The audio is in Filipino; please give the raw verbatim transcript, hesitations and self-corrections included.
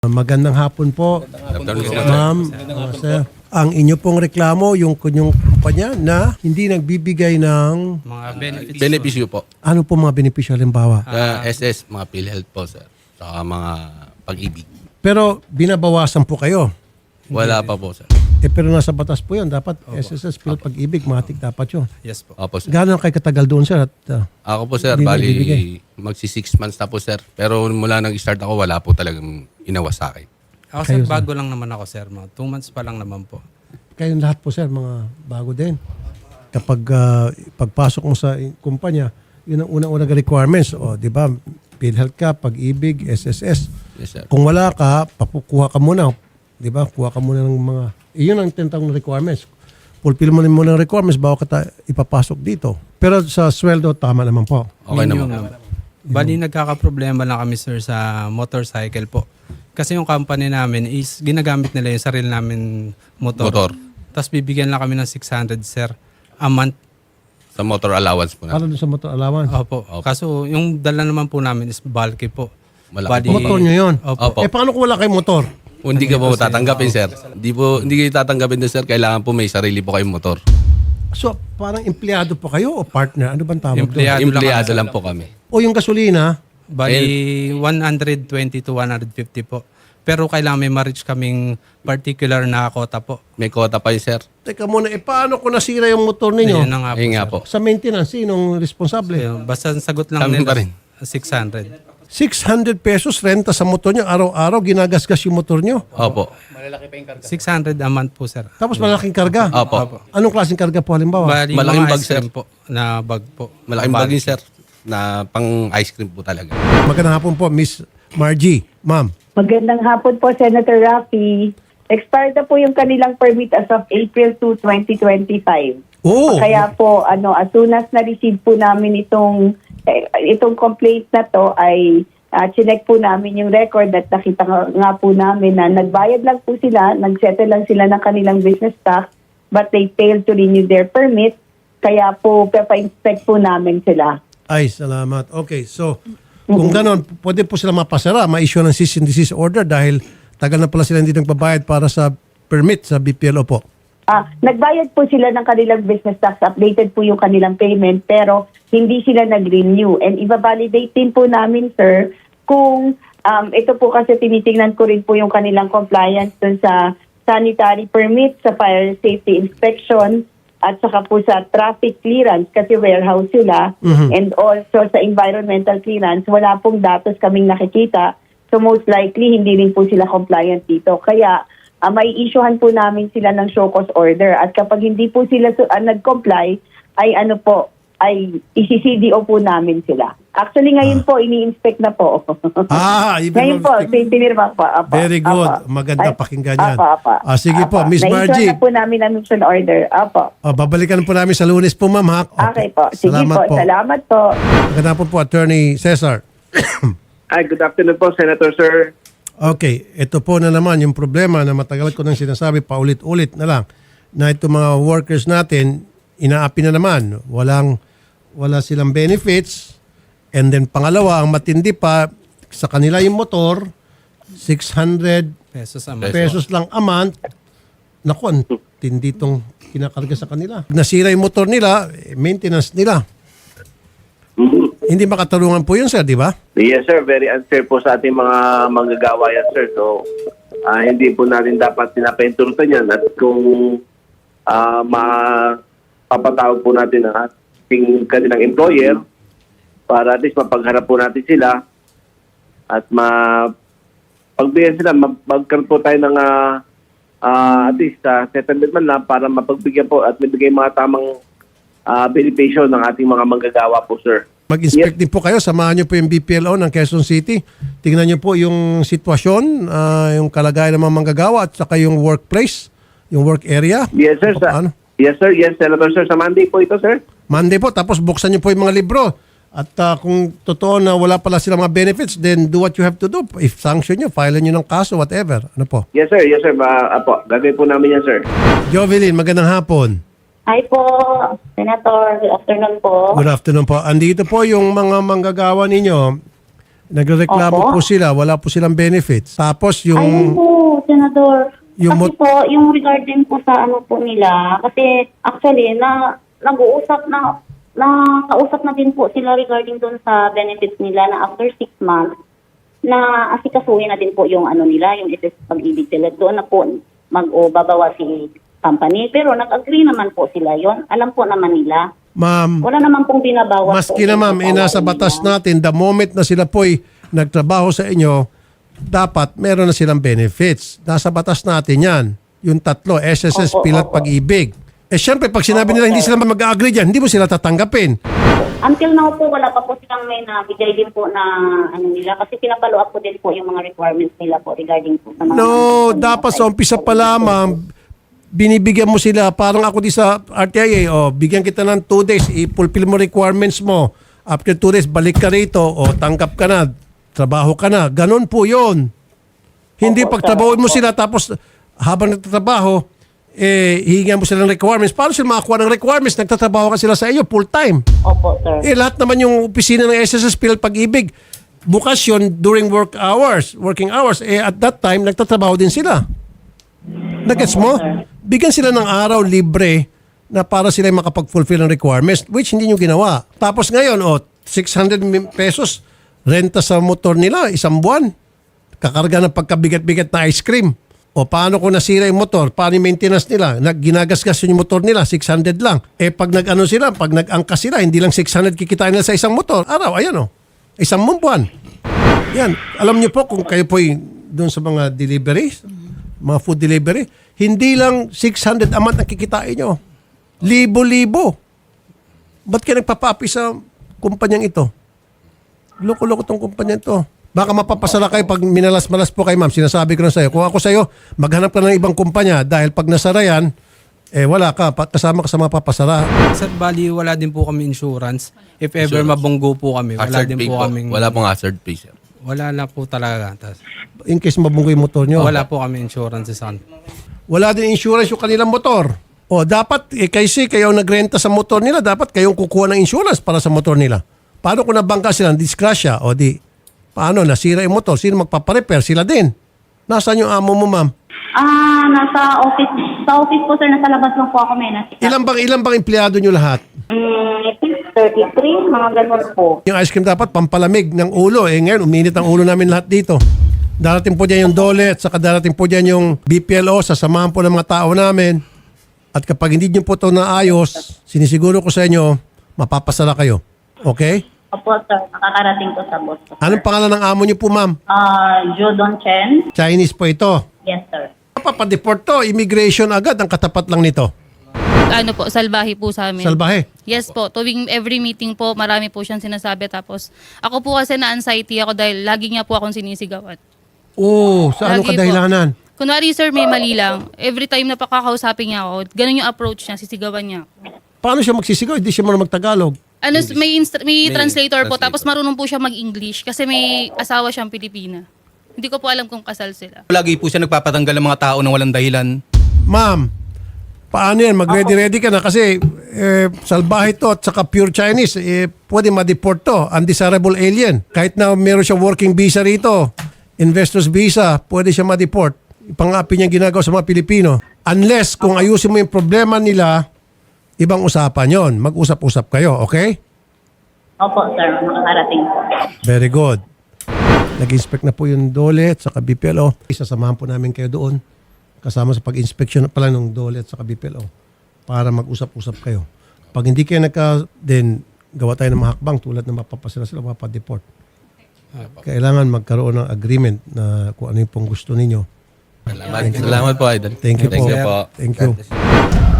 Magandang hapon po, ma'am, uh, sir. Ang inyo pong reklamo, yung kunyong kumpanya na hindi nagbibigay ng Mga benefits. Benepisyo po. ano po mga benepisyo halimbawa. Uh, S S, mga PhilHealth po, sir. Saka mga pag-ibig. Pero binabawasan po kayo. Wala pa po, sir. Eh pero nasa batas po yun. Dapat S S S, Phil, pag-ibig, matik dapat yun. Yes po. Opo, sir. Gano'n kayo katagal doon, sir? At, uh, Ako po, sir, Hindi bali nagbibigay. magsi six months na po, sir. Pero mula nang start ako, wala po talagang inawas sa akin. Ako Kayo, sir, sir? bago lang naman ako sir. Mga two months pa lang naman po. kayong lahat po, sir, mga bago din. Kapag uh, pagpasok mo sa kumpanya, yun ang unang-unang requirements. O, di ba? PhilHealth ka, pag-ibig, S S S. Yes, sir. Kung wala ka, papukuha ka muna. Di ba? Kuha ka muna ng mga... Iyon ang tinatawag na requirements. Fulfill mo muna ng requirements bago ka ta- ipapasok dito. Pero sa sweldo, tama naman po. Okay Minimum naman. Bali, nagkakaproblema lang kami sir sa motorcycle po. Kasi yung company namin is ginagamit nila yung sarili namin motor. Motor. Tapos bibigyan lang kami ng six hundred sir a month. Sa motor allowance po na. Para doon sa motor allowance. Opo. Kaso yung dala naman po namin is bulky po. Malaki. Bali- Motor nyo yun. Opo. Opo. Eh, paano kung wala kayong motor? Kung hindi ka po tatanggapin, sir. Hindi po, hindi kayo tatanggapin doon, sir. Kailangan po may sarili po kayong motor. So, parang empleyado po kayo o partner? Ano bang tawag doon? Empleyado lang Empleyado kami, lang po kami. O yung gasolina, Bali, one hundred twenty to one hundred fifty po. Pero kailangan may ma-reach kaming particular na kota po. May quota pa yun, sir. teka muna, eh paano kung nasira yung motor ninyo? Ayun na nga po, Ayun nga sir. po. Sa maintenance, sinong responsable? Ayun, basta ang sagot lang Kami nila pa rin. six hundred. six hundred pesos renta sa motor nyo, araw-araw, ginagasgas yung motor nyo. Opo. six hundred a month po, sir. Tapos malaking karga. Opo. Anong klaseng karga po halimbawa? Bali, Malaking mga bag, ice cream sir. po, na bag po. Malaking Bag. bagay, sir. Na pang ice cream po talaga. Magandang hapon po, Miss Margie. Ma'am. Magandang hapon po, Senator Raffy. Expired na po yung kanilang permit as of April second, twenty twenty-five. Oo. Kaya po, ano, as soon as na-receive po namin itong eh, itong complaint na to, ay uh, chinek po namin yung record at nakita nga, nga po namin na nagbayad lang po sila, nagsettle lang sila ng kanilang business tax, but they failed to renew their permit. Kaya po, pepa-inspect po namin sila. Ay, salamat. Okay, so, kung ganon, pwede po sila mapasara, ma-issue ng cease and desist order dahil tagal na pala sila hindi nagbabayad para sa permit sa B P L O po. Ah, nagbayad po sila ng kanilang business tax, updated po yung kanilang payment, pero hindi sila nag-renew. And i-validate din po namin, sir, kung um, ito po kasi tinitingnan ko rin po yung kanilang compliance dun sa sanitary permit, sa fire safety inspection, at saka po sa traffic clearance kasi warehouse sila, and also sa environmental clearance, wala pong datos kaming nakikita. So most likely, hindi rin po sila compliant dito. Kaya, Uh, may issuehan po namin sila ng show cause order at kapag hindi po sila uh, nag-comply ay ano po ay i-C D O po namin sila. Actually ngayon po ini-inspect na po. Ah, ibig ngayon po sabihin- pinirma po. Apa, Very good. apa. Maganda Ay, pakinggan yan. apa, apa, Ah, sige po, apa. Miss Na-issue Margie. na po namin ang mission order. Apo. Oh, babalikan po namin sa Lunes po, ma'am. Ha? Okay po. Sige Salamat po. Salamat po. Magandang hapon po, Attorney Cesar. Hi, good afternoon po, Senator Sir. Okay, ito po na naman yung problema na matagal ko nang sinasabi, paulit-ulit na lang, na itong mga workers natin, inaapi na naman. Walang, wala silang benefits. And then pangalawa, ang matindi pa, sa kanila yung motor, six hundred Pesos a month. pesos lang a month. Naku, ang tindi itong kinakarga sa kanila. Nasira yung motor nila, eh, maintenance nila. Hindi makatarungan po yun, sir, di ba? Yes, sir. Very unfair po sa ating mga manggagawa yan, sir. So, ah, hindi po natin dapat pinapentulutan yan. At kung uh, mapapatawag po natin ang ating kanilang employer para at least mapagharap po natin sila at mapagbigyan sila, magkaroon po tayo ng uh, uh, at least uh, settlement man lang para mapagbigyan po at mabigay mga tamang uh, benepisyo ng ating mga manggagawa po, sir. Mag-inspect din po kayo, samahan niyo po yung B P L O ng Quezon City. Tingnan niyo po yung sitwasyon, ah, yung kalagayan ng mga manggagawa at saka yung workplace, yung work area. Yes, sir. Sa, Paano? yes, sir. Yes, Senator, sir. Sa Monday po ito, sir. Monday po, tapos buksan niyo po yung mga libro. At ah, kung totoo na wala pala silang mga benefits, then do what you have to do. If sanction niyo, file niyo ng kaso, whatever. Ano po? Yes, sir. Yes, sir. Ma, apo, gagawin po namin yan, sir. Jovelyn, magandang hapon. Hi po, Senator. Good afternoon po. Good afternoon po. Andito po yung mga manggagawa ninyo. Nagreklamo Opo. po sila, wala po silang benefits. Tapos Ayun yung po, Senador. yung kasi mot- po, yung regarding po sa ano po nila, kasi actually, na nag-uusap na, na kausap na din po sila regarding doon sa benefits nila na after six months, na asikasuhin na din po yung ano nila, yung S S Pag-ibig sila. Doon na po mag-o babawa si company. Pero nag-agree naman po sila yon. Alam po naman nila. ma'am, Wala naman pong binabawas. maski na ma'am, eh, nasa batas natin, the moment na sila po'y nagtrabaho sa inyo, dapat meron na silang benefits. Nasa batas natin yan. Yung tatlo, S S S, Opo, P L A T, opo. Pag-ibig. Eh syempre, pag sinabi nila hindi sila mag-agree dyan, hindi mo sila tatanggapin. Until now po, wala pa po silang may nabigay din po na ano nila. Kasi pinapalo up po din po yung mga requirements nila po regarding po sa mga... No, dapat sa umpisa pa lamang, binibigyan mo sila, parang ako di sa R T I A, oh, bigyan kita ng two days, i-fulfill mo requirements mo. After two days, balik ka rito, o tanggap ka na, trabaho ka na. Ganon po yun. Hindi Opo, pagtrabahoin mo sir. sila, tapos habang nagtatrabaho, eh, hihingan mo sila ng requirements. Paano sila makakuha ng requirements? Nagtatrabaho ka sila sa iyo, full time. Opo, sir. Eh, lahat naman yung opisina ng S S S P L A T Pag-ibig, bukas yun during work hours, working hours. Eh, at that time, nagtatrabaho din sila. Nagets mo? Bigyan sila ng araw libre na para sila makapag-fulfill ng requirements, which hindi nyo ginawa. Tapos ngayon, oh, six hundred pesos renta sa motor nila, isang buwan. Kakarga ng pagkabigat-bigat na ice cream. O paano kung nasira yung motor? Paano yung maintenance nila? Nag, ginagasgas yung motor nila, six hundred lang. Eh pag nag-ano sila, pag nag-angkas sila, hindi lang six hundred kikitain nila sa isang motor. Araw, ayan o. Isang buwan. Yan. Alam niyo po kung kayo po doon sa mga deliveries, mga food delivery, hindi lang six hundred a month ang kikitain nyo. Libo-libo. Ba't kayo nagpapapi sa kumpanyang ito? Loko-loko tong kumpanya ito. Baka mapapasara kayo pag minalas-malas po kayo, ma'am. Sinasabi ko na sa'yo. Kung ako sa'yo, maghanap ka ng ibang kumpanya dahil pag nasara yan, eh wala ka. Pa- Kasama ka sa mga papasara. Sir, bali wala din po kami insurance. If ever Insurance. mabunggo po kami, wala Hazard din pay po po. kaming... Wala pong hazard pay, sir. Wala na po talaga. Tas, In case mabunggo yung motor nyo. wala po kami insurance sa kanila. Wala din insurance yung kanilang motor. O dapat, eh, kasi kayo nagrenta sa motor nila, dapat kayong kukuha ng insurance para sa motor nila. Paano kung nabangka sila, disgrasya, o di, paano, nasira yung motor, sino magpaparepair? Sila din. Nasaan yung amo mo, ma'am? Ah, nasa office. Sa office po, sir, nasa labas lang po ako, may nasa. Ilan bang, ilan bang empleyado nyo lahat? Mm, thirty-three, mga ganun po. Yung ice cream dapat pampalamig ng ulo. Eh ngayon, uminit ang ulo namin lahat dito. Darating po dyan yung dole at saka darating po dyan yung B P L O, sasamahan po ng mga tao namin. At kapag hindi nyo po ito naayos, sinisiguro ko sa inyo, mapapasala kayo. Okay? Opo, sir. Nakakarating ko sa boss ko. Anong pangalan ng amo nyo po, ma'am? Ah, Jodon Chen. Chinese po ito. Yes, sir. Papadeport to, immigration agad, ang katapat lang nito. Ano po, salbahe po sa amin. Salbahe. Yes po, tuwing every meeting po, marami po siyang sinasabi. Tapos, ako po kasi na-anxiety ako dahil lagi niya po akong sinisigawan. Oo, sa anong Lagi po. kadahilanan? Kunwari sir, may mali lang. Every time na pakakausapin niya ako, ganun yung approach niya, sisigawan niya ako. Paano siya magsisigaw? Hindi siya marunong magtagalog. Ano, may, inst- may, May translator po, translator. tapos marunong po siya mag-English kasi may asawa siyang Pilipina. Hindi ko po alam kung kasal sila. Lagi po siya nagpapatanggal ng mga tao ng walang dahilan. Ma'am, paano yan? Mag-ready-ready ka na kasi eh, salbahe to at saka pure Chinese, eh, pwede ma-deport to. Undesirable alien. Kahit na meron siya working visa rito, investor's visa, pwede siya ma-deport. Pang-api niya ginagawa sa mga Pilipino. Unless kung ayusin mo yung problema nila, ibang usapan yon. Mag-usap-usap kayo, okay? Opo, sir. Nakakarating po. Very good. Nag-inspect na po yung dole at saka B P L O. Isasamahan po namin kayo doon kasama sa pag-inspection pala ng dole at saka B P L O para mag-usap-usap kayo. Pag hindi kayo nagka, then gawa tayo ng mahakbang tulad na mapapasila sila, mapapadeport. Kailangan magkaroon ng agreement na kung ano yung pong gusto ninyo. Salamat, Salamat po, Idol. Thank you po. Thank you po. Thank you.